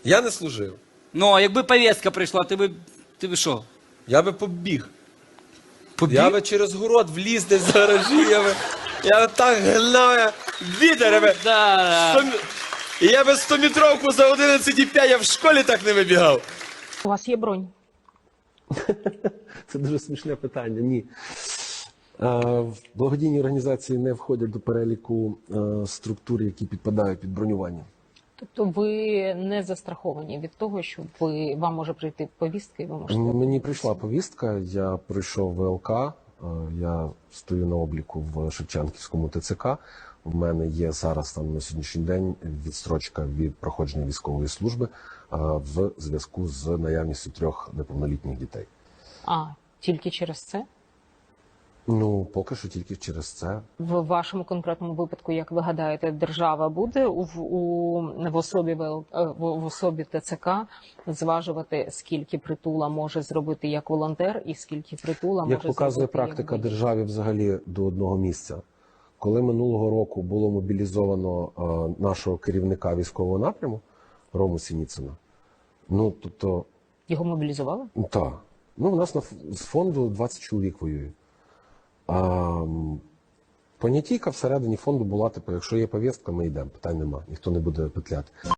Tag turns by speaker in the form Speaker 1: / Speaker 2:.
Speaker 1: Я не служив.
Speaker 2: Ну, а якби повістка прийшла, ти би що?
Speaker 1: Я би побіг.
Speaker 2: Побіг?
Speaker 1: Я би через город вліз десь в гаражі, я би так гнав, вітер, я би...
Speaker 2: Да.
Speaker 1: І я би 100-метровку за 11,5, я в школі так не вибігав.
Speaker 3: У вас є бронь?
Speaker 4: Це дуже смішне питання. Ні. Благодійні організації не входять до переліку структур, які підпадають під бронювання.
Speaker 3: Тобто ви не застраховані від того, що вам може прийти повістка і ви можете...
Speaker 4: Мені прийшла повістка, я пройшов ВЛК, я стою на обліку в Шевченківському ТЦК. У мене є зараз там на сьогоднішній день відстрочка від проходження військової служби в зв'язку з наявністю 3 неповнолітніх дітей.
Speaker 3: А, тільки через це?
Speaker 4: Ну, поки що тільки через це.
Speaker 3: В вашому конкретному випадку, як ви гадаєте, держава буде в особі ТЦК зважувати, скільки притула може зробити як волонтер і скільки притула може зробити
Speaker 4: як показує практика
Speaker 3: як
Speaker 4: державі взагалі до одного місця. Коли минулого року було мобілізовано нашого керівника військового напряму, Рому Сініцина, ну, тобто...
Speaker 3: Його мобілізували?
Speaker 4: Так. Ну, у нас з фонду 20 чоловік воює. Понятійка всередині фонду була, типу, якщо є повістка, ми йдемо, питань нема, ніхто не буде петляти.